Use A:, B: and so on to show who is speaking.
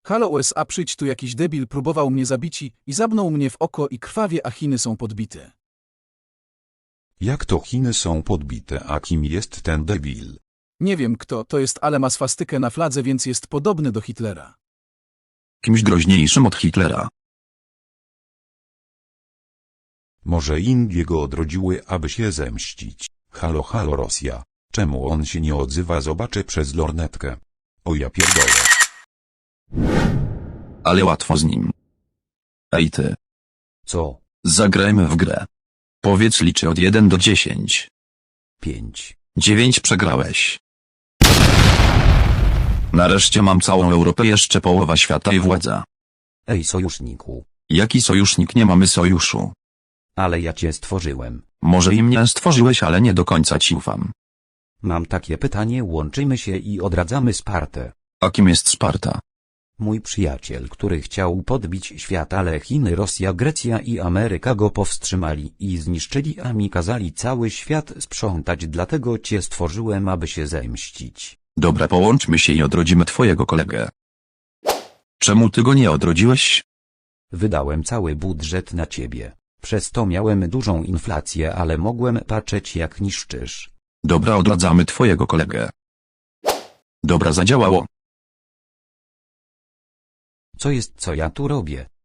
A: Halo USA, przyjdź tu, jakiś debil próbował mnie zabić i zabnął mnie w oko i krwawie, a Chiny są podbite.
B: Jak to Chiny są podbite, a kim jest ten debil?
A: Nie wiem kto to jest, ale ma swastykę na fladze, więc jest podobny do Hitlera.
C: Kimś groźniejszym od Hitlera.
B: Może Indie go odrodziły, aby się zemścić. Halo halo Rosja, czemu on się nie odzywa? Zobaczę przez lornetkę. O ja pierdolę.
C: Ale łatwo z nim. Ej ty.
D: Co?
C: Zagrajmy w grę. Powiedz, liczy od 1 do 10.
D: 5.
C: 9 przegrałeś. Nareszcie mam całą Europę, jeszcze połowa świata i władza.
D: Ej sojuszniku.
C: Jaki sojusznik? Nie mamy sojuszu.
D: Ale ja cię stworzyłem.
C: Może i mnie stworzyłeś, ale nie do końca ci ufam.
D: Mam takie pytanie, łączymy się i odradzamy Spartę.
C: A kim jest Sparta?
D: Mój przyjaciel, który chciał podbić świat, ale Chiny, Rosja, Grecja i Ameryka go powstrzymali i zniszczyli, a mi kazali cały świat sprzątać, dlatego cię stworzyłem, aby się zemścić.
C: Dobra, połączmy się i odrodzimy twojego kolegę. Czemu ty go nie odrodziłeś?
D: Wydałem cały budżet na ciebie. Przez to miałem dużą inflację, ale mogłem patrzeć, jak niszczysz.
C: Dobra, odradzamy twojego kolegę. Dobra, zadziałało.
D: Co jest, co ja tu robię?